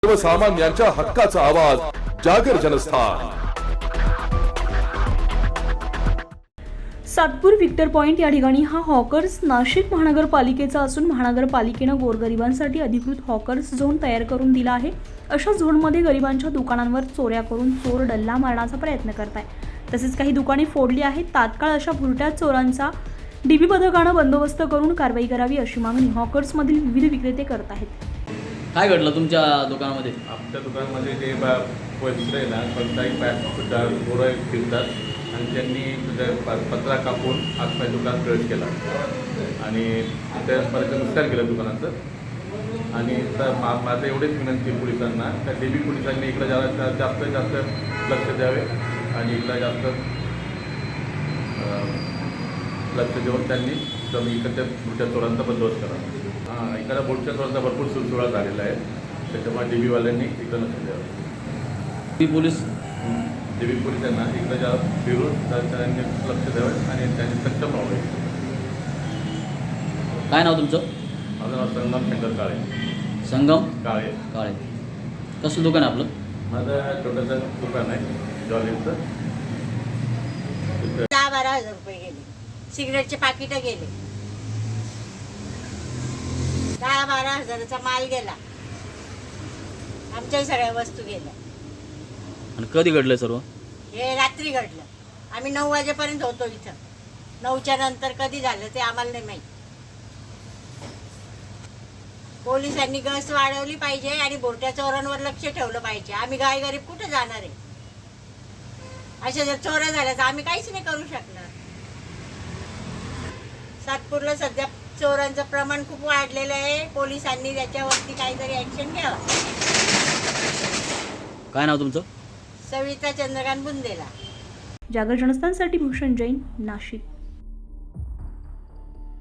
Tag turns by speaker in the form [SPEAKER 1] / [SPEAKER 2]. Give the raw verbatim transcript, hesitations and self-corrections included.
[SPEAKER 1] सर्वसामान्यांच्या हक्काचा आवाज जागर जनस्थान।
[SPEAKER 2] सातपूर विक्टर पॉइंट या ठिकाणी हा हॉकर्स नाशिक महानगरपालिकेचा असून महानगरपालिकेने गोरगरिबांसाठी अधिकृत हॉकर्स झोन तयार करून दिला आहे। अशा झोनमध्ये गरिबांच्या दुकानांवर चोऱ्या करून चोर डल्ला मारण्याचा प्रयत्न करताय। तसेच काही दुकाने फोडली आहेत। तात्काळ अशा भुरट्या चोरांचा डीबी पथकाने बंदोबस्त करून कारवाई करावी अशी मागणी हॉकर्स मधील विविध विक्रेते करत आहेत।
[SPEAKER 3] काय घडलं तुमच्या दुकानामध्ये?
[SPEAKER 4] आमच्या दुकानामध्ये जे पैसे आहे ना कोणताही पॅक गोरं फिरतात आणि त्यांनी पत्रा कापून आजपाय दुकान प्रवेश केला आणि त्यापर्यंत नुकसान केलं दुकानाचं। आणि तर मा माझं एवढेच विनंती पोलिसांना त्या देवी पोलिसांनी इकडं जरा जास्त जास्त लक्ष द्यावे आणि इकडं जास्त लक्ष देऊन त्यांनी इकडच्या पुढच्या चोरांचा बंदोबस्त करावा। हां, इकडं बोटच्या चोरांचा भरपूर सुळसुळा झालेला आहे, त्याच्यामुळे देवीवाल्यांनी इकडं लक्ष द्यावं।
[SPEAKER 3] ती पोलीस
[SPEAKER 4] देवी पोलिसांना इकडं ज्या फिरून त्यांनी लक्ष द्यावं आणि त्यांनी सक्षम व्हावे।
[SPEAKER 3] काय नाव तुमचं?
[SPEAKER 4] माझं नाव संगम शंकर काळे।
[SPEAKER 3] संगम
[SPEAKER 4] काळे
[SPEAKER 3] काळे कसं दुकान आहे आपलं?
[SPEAKER 4] माझं छोटंसं दुकान आहे ज्वेलरीचं।
[SPEAKER 5] दहा बारा हजार रुपये गेले, सिगरेटचे पाकिटं गेले, दहा बारा हजाराचा माल गेला, आमच्या सगळ्या वस्तू गेल्या।
[SPEAKER 3] आणि कधी घडलं सर्व?
[SPEAKER 5] हे रात्री घडलं। आम्ही नऊ वाजेपर्यंत होतो इथं, नऊच्या नंतर कधी झालं ते आम्हाला नाही माहीत। पोलिसांनी गस्त वाढवली पाहिजे आणि बोरट्या चोरांवर लक्ष ठेवलं पाहिजे। आम्ही गायगरीब कुठे जाणार आहे? अशा जर चोऱ्या झाल्या तर आम्ही काहीच नाही करू शकणार। सातपूरला सध्या चोरांचं प्रमाण खूप वाढलेलं आहे, पोलिसांनी त्याच्यावरती काहीतरी ऍक्शन घ्यावा।
[SPEAKER 3] काय नाव तुमचं?
[SPEAKER 5] सविता चंद्रकांत बुंदेला।
[SPEAKER 2] जागर जनस्थानसाठी भूषण जैन, नाशिक।